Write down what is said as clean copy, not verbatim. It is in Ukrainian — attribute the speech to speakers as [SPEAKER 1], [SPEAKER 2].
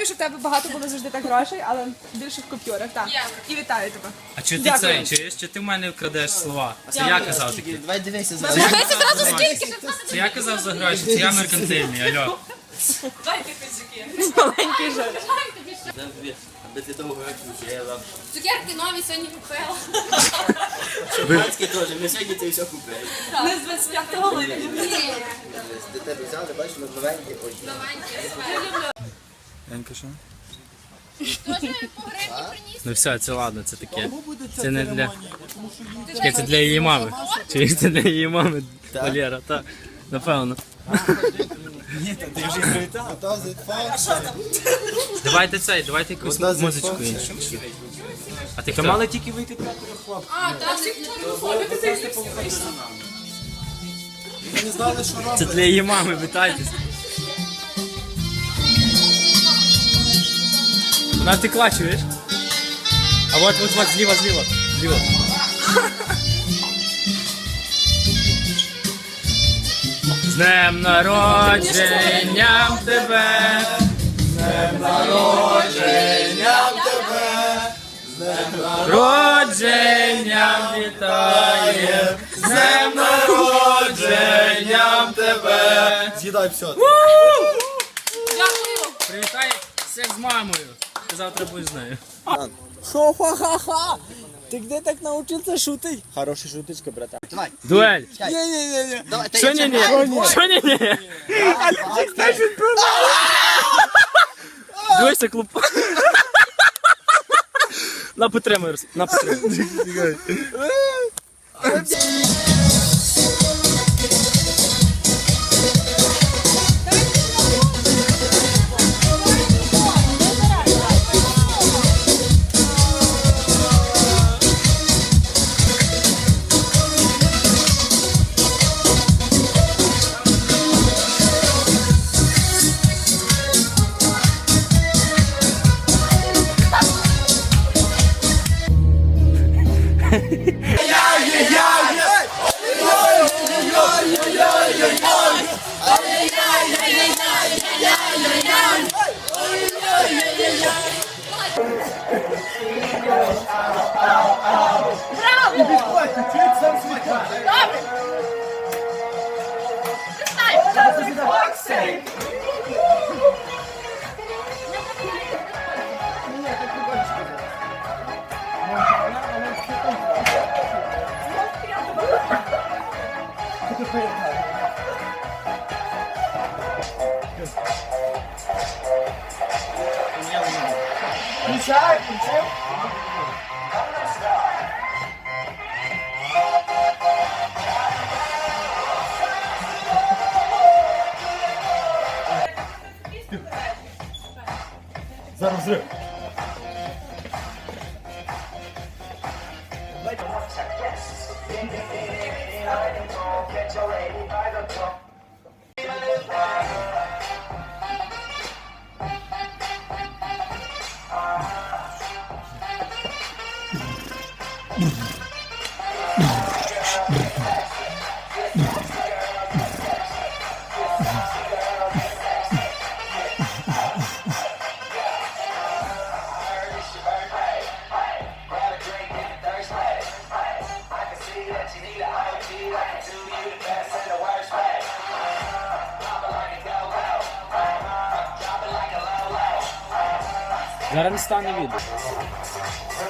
[SPEAKER 1] Дякую, що в тебе багато було завжди так грошей, але більше в купюрах. Так. І вітаю тебе.
[SPEAKER 2] А чи ти
[SPEAKER 1] Дякую.
[SPEAKER 2] це, чи ти в мене вкрадеш слова? Це я казав такі.
[SPEAKER 3] Давай дивися за
[SPEAKER 1] Дивися зразу скільки.
[SPEAKER 2] Це я казав за гроші, це я меркантильний, алло.
[SPEAKER 1] Маленький жаль.
[SPEAKER 3] аби ти довго жила.
[SPEAKER 4] Цукерки нові сьогодні купила.
[SPEAKER 3] Шампанське теж, ми сьогодні це все купили.
[SPEAKER 1] Не з 25-го липня.
[SPEAKER 4] Ні.
[SPEAKER 3] До тебе взяли, бачиш, ми новенькі очі.
[SPEAKER 2] Янка, що?
[SPEAKER 4] Тоже по гривні приніс.
[SPEAKER 2] Ну все, це ладно, це таке. Це не для... Таке, це для її мами. Чи це для її мами, Валера, так. Напевно. Давайте цей, давайте якусь музичку іншу. А ти хто?
[SPEAKER 3] Мали тільки вийти для хлопців.
[SPEAKER 4] А, так.
[SPEAKER 2] Це для її мами, вітайтесь. Вона втекла, чуєш? А вот, зліва. З днем народженням тебе! З днем народженням тебе! З днем народженням вітає! З днем народженням тебе!
[SPEAKER 3] З'їдай все.
[SPEAKER 4] Дякую.
[SPEAKER 2] Привітай всіх з мамою! Ти завтра будеш з нею.
[SPEAKER 5] Шо, ха-ха-ха! Ты где так научился шутить? Хорошая шуточка, братан.
[SPEAKER 3] Давай.
[SPEAKER 2] Дуель!
[SPEAKER 5] Не-не-не.
[SPEAKER 3] Давай, та
[SPEAKER 2] Що
[SPEAKER 3] я
[SPEAKER 2] ні-ні? Що ні-ні? Дивися, клуб. На підтримуй, на підтримуй. Зараз не стане відео.